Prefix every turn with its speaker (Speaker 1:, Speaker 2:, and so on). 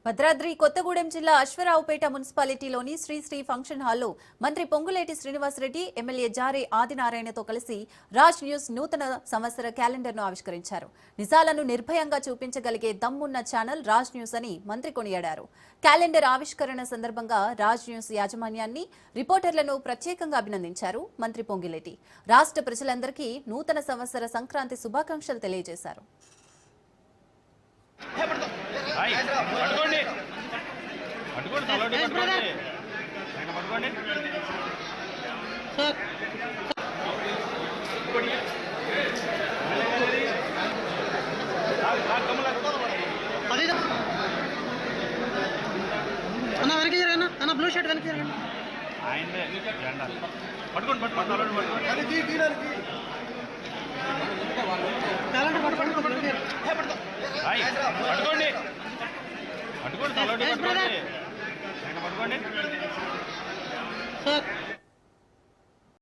Speaker 1: భద్రాద్రి కొత్తగూడెం జిల్లా అశ్వరావుపేట మున్సిపాలిటీలోని శ్రీ ఫంక్షన్ హాల్లో మంత్రి పొంగులేటి శ్రీనివాసరెడ్డి ఎమ్మెల్యే జారే ఆదినారాయణతో కలిసి రాజ్ న్యూస్ నూతన సంవత్సర క్యాలెండర్ను ఆవిష్కరించారు. నిజాలను నిర్భయంగా చూపించగలిగే దమ్మున్న ఛానల్ రాజ్ న్యూస్ అని మంత్రి కొనియాడారు. క్యాలెండర్ ఆవిష్కరణ సందర్భంగా రాజ్ న్యూస్ యాజమాన్యాన్ని, రిపోర్టర్లను ప్రత్యేకంగా అభినందించారు మంత్రి పొంగులేటి. రాష్ట్ర ప్రజలందరికీ నూతన సంవత్సర సంక్రాంతి శుభాకాంక్షలు తెలియజేశారు.
Speaker 2: అన్న వెనక్కి జరగనా అన్న, బ్లూ షర్ట్ వెనక్కి జరగండి.
Speaker 3: పట్టుకోండి
Speaker 2: సార్